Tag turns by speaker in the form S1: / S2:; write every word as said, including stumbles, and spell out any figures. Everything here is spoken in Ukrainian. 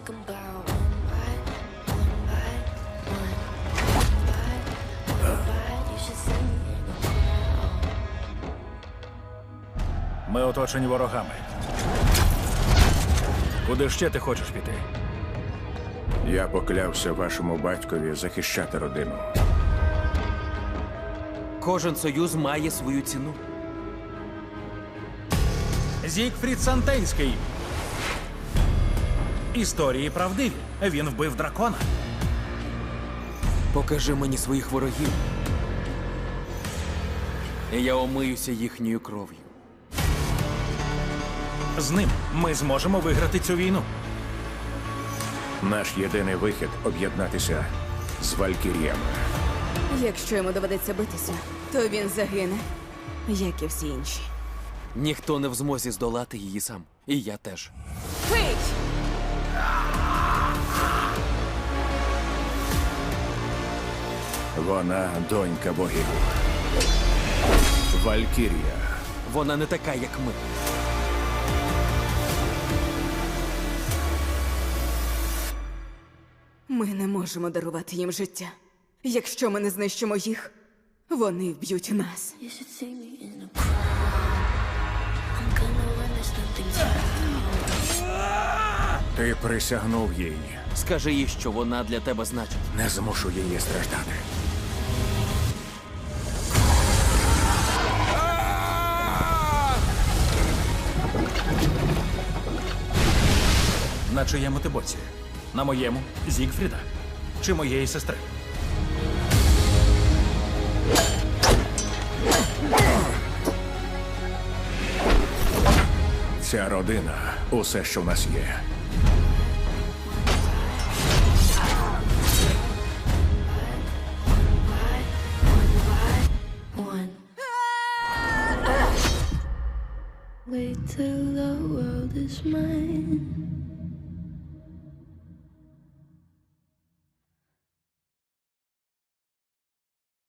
S1: take 'em down one by one by one, one by one by. You should see me in the crowd.
S2: Ми оточені ворогами. Куди ще ти хочеш піти?
S3: Я поклявся вашому батькові захищати родину.
S4: Кожен союз має свою ціну.
S2: Зігфрід Сантенський. Історії правдиві. Він вбив дракона.
S4: Покажи мені своїх ворогів. І я омиюся їхньою кров'ю.
S2: З ним ми зможемо виграти цю війну.
S3: Наш єдиний вихід – об'єднатися з Валькіріями.
S5: Якщо йому доведеться битися, то він загине, як і всі інші.
S4: Ніхто не в змозі здолати її сам. І я теж.
S5: Пий!
S3: Вона донька богів. Валькірія.
S4: Вона не така, як ми.
S5: Ми не можемо дарувати їм життя. Якщо ми не знищимо їх, вони вб'ють нас.
S1: You should see me in the crowd. I'm gonna win this nothing down.
S3: Ти присягнув їй.
S4: Скажи їй, що вона для тебе значить.
S3: Не змушу її страждати.
S2: На чиєму ти боці? На моєму Зігфріда? Чи моєї сестри?
S3: Ця родина – усе, що в нас є.
S1: One. Wait till the world is mine.